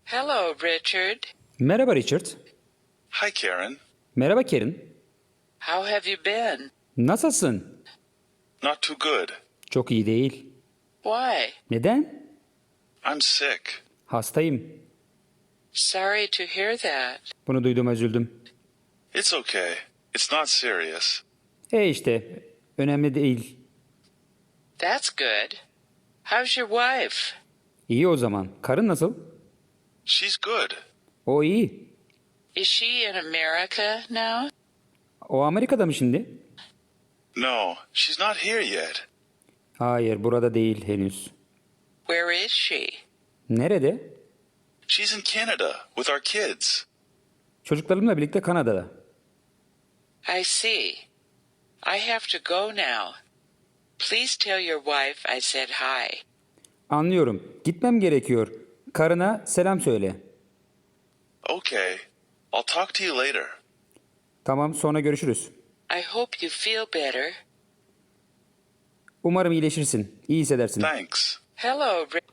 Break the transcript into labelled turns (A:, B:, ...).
A: Hello, Richard.
B: Merhaba Richard.
C: Hi, Karen.
B: Merhaba Karen.
A: How have you been?
B: Nasılsın?
C: Not too good.
B: Çok iyi değil.
A: Why?
B: Neden?
C: I'm sick.
B: Hastayım.
A: Sorry to hear that.
B: Bunu duyduğuma üzüldüm.
C: It's okay. It's not serious.
B: İşte önemli değil.
A: That's good. How's your wife?
B: İyi o zaman. Karın nasıl?
C: She's good.
B: O iyi.
A: Is she in America now?
B: O Amerika'da mı şimdi?
C: No, she's not here yet.
B: Hayır, burada değil henüz.
A: Where is she?
B: Nerede?
C: She's in Canada with our kids.
B: Çocuklarımla birlikte Kanada'da.
A: I see. I have to go now. Please tell your wife I said hi.
B: Anlıyorum. Gitmem gerekiyor. Karına selam söyle.
C: Okay. I'll talk to you later.
B: Tamam, sonra görüşürüz.
A: I hope you feel better.
B: Umarım iyileşirsin. İyi hissedersin.
C: Thanks.
A: Hello,